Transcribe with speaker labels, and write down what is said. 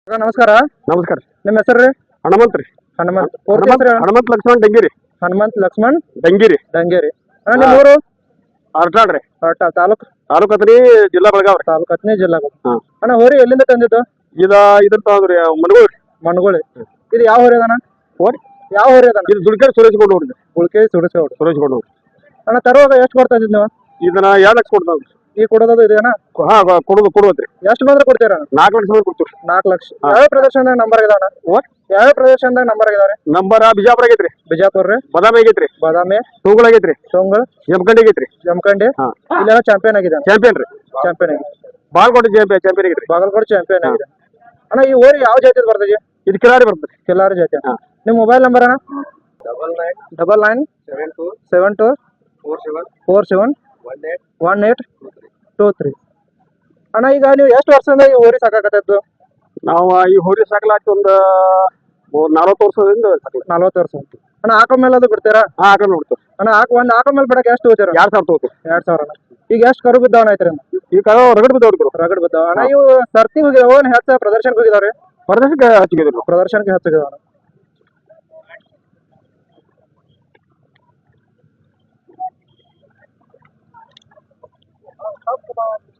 Speaker 1: ಅಕ್ಕ ನಮಸ್ಕಾರ.
Speaker 2: ನಮಸ್ಕಾರ.
Speaker 1: ನಿಮ್ಮ ಹೆಸರು ರೀ?
Speaker 2: ಹನುಮಂತ್ ರೀ.
Speaker 1: ಹನುಮಂತ್. ಪೂರ್ತಿ ಹೆಸರು ಹೇಳಿ.
Speaker 2: ಹನುಮಂತ್ ಲಕ್ಷ್ಮಣ್ ಡಂಗಿರಿ.
Speaker 1: ಹನುಮಂತ್ ಲಕ್ಷ್ಮಣ್
Speaker 2: ಡಂಗಿರಿ.
Speaker 1: ಡಂಗೇರಿ. ಅಣ್ಣ ನಿಮ್ಮ ಊರು?
Speaker 2: ಅರ್ಟಾಳ್ ರೀ.
Speaker 1: ತಾಲೂಕು?
Speaker 2: ತಾಲೂಕು ಅತ್ರಿ, ಜಿಲ್ಲಾ ಬೆಳಗಾವ್ ರೀ.
Speaker 1: ತಾಲೂಕು ಹತ್ತನೇ ಜಿಲ್ಲಾ.
Speaker 2: ಹಾ.
Speaker 1: ಅಣ್ಣ ಹೋರಿ ಎಲ್ಲಿಂದ ತಂದಿದ್ದು?
Speaker 2: ಇದ್ರ ತಗೊಂಡ್ರಿ ಮನಗೋಳ್ ರೀ.
Speaker 1: ಮನಗೋಳಿ. ಇದು ಯಾವ ಹೋರಿ ಅದಣ್ಣ?
Speaker 2: ಹೋರಿ
Speaker 1: ಯಾವ ಹೋರಿ ಅದಣ್ಣ?
Speaker 2: ಇದು ದುಡ್ಕೇರಿ ಸುರೇಶ್ ಗೊಂಡು ಹೋಗ್ರಿ.
Speaker 1: ಉಳ್ಕೆ ಸುಡಿಸೋಡು.
Speaker 2: ಸುರೇಶ್ ಗೊಂಡು ಹೋಗ್ರಿ.
Speaker 1: ಅಣ್ಣ ತರುವಾಗ ಎಷ್ಟು ಕೊಡ್ತಾ ಇದ್ದೀವಿ ನೀವು?
Speaker 2: ಇದನ್ನ 2 ಲಕ್ಷ ಕೊಡ್ತಾವ್ರಿ.
Speaker 1: ಈ ಕೊಡೋದು ಇದೆ ಅಣ್ಣ?
Speaker 2: ಹಾ ಕೊಡುವತ್ರಿ.
Speaker 1: ಎಷ್ಟು ಬಂದ್ರೆ ಕೊಡ್ತೀರ ಅಣ್ಣ?
Speaker 2: 4 ಲಕ್ಷ ಬಂದ್ರೆ ಕೊಡ್ತೀವಿ.
Speaker 1: 4 ಲಕ್ಷ. ಯಾವ ಪ್ರದೇಶದಾಗ ನಂಬರ್ ಇದಾವಣ್ಣ? ಯಾವ ಪ್ರದೇಶದಾಗ ನಂಬರ್ ಇದಾವ್ರಿ?
Speaker 2: ನಂಬರ್ ಬಿಜಾಪುರ ಆಗೈತ್ರಿ.
Speaker 1: ಬಿಜಾಪುರ ರೀ.
Speaker 2: ಬಾದಾಮಿ ಆಗೈತ್ರಿ.
Speaker 1: ಬಾದಾಮಿ.
Speaker 2: ಟೋಂಗುಳ ಆಗೈತ್ರಿ.
Speaker 1: ಟೋಂಗುಳ.
Speaker 2: ಜಮಖಂಡಿ ಆಗೈತ್ರಿ.
Speaker 1: ಜಮಖಂಡಿ.
Speaker 2: ಹಾ.
Speaker 1: ಇಲ್ಲೆಲ್ಲ ಚಾಂಪಿಯನ್ ಆಗಿದೆ.
Speaker 2: ಚಾಂಪಿಯನ್ ರೀ.
Speaker 1: ಚಾಂಪಿಯನ್ ಆಗಿದೆ.
Speaker 2: ಬಾಗಲಕೋಟೆ ಚಾಂಪಿಯನ್ ಆಗೈತ್ರಿ.
Speaker 1: ಬಾಗಲಕೋಟೆ ಚಾಂಪಿಯನ್ ಆಗಿದೆ. ಅಣ್ಣ ಈ ಹೋರಿ ಯಾವ ಜಾತಿ ಬರ್ತದೆ?
Speaker 2: ಇದು ಕಿಲಾರಿ ಬರ್ತದೆ.
Speaker 1: ಕಿಲಾರಿ ಜಾತಿ. ನಿಮ್ಮ ಮೊಬೈಲ್ ನಂಬರ್ ಅಣ್ಣ? 997247471823. ಅಣ್ಣ ಈಗ ನೀವು ಎಷ್ಟು ವರ್ಷದಿಂದ ಈ ಹೋರಿ ಸಾಕಾಕತ್ತಿದ್ದು?
Speaker 2: ನಾವು ಈ ಹೋರಿ ಸಾಕಲಾಕಿ ಒಂದು 40 ವರ್ಷದಿಂದ
Speaker 1: 40 ವರ್ಷ. ಅಣ್ಣ ಆಕಳ ಮೇಲೆ ಅದು ಬಿಡ್ತೀರಾ?
Speaker 2: ಹಾಕ ನೋಡ್ತೀವಿ.
Speaker 1: ಅಣ್ಣ ಒಂದು ಆಕಳ ಮೇಲೆ ಬಿಡಕ್ಕೆ ಎಷ್ಟು ಹೋಗ್ತೀರ?
Speaker 2: 2000 ತಗೋತೀವಿ.
Speaker 1: 2000 ಅಣ್ಣ. ಈಗ ಎಷ್ಟು ಕರು ಬಿದ್ದಾವನ ಐತ್ರಿ?
Speaker 2: ಈ ಕರು ರಗಡ್ ಬಿದ್ದಾವ್ರಿ.
Speaker 1: ರಗಡ್ ಬಿದ್ದಾವ. ಅಣ್ಣ ಇವು ಸರ್ತಿ ಹೋಗಿದಾವ ಹೆಚ್ಚ ಪ್ರದರ್ಶನಕ್ಕೆ ಹೋಗಿದಾವ್ರಿ?
Speaker 2: ಪ್ರದರ್ಶನಕ್ಕೆ ಹಚ್ಚಿದ್ರು.
Speaker 1: ಪ್ರದರ್ಶನಕ್ಕೆ ಹಚ್ಚಿದಾವ.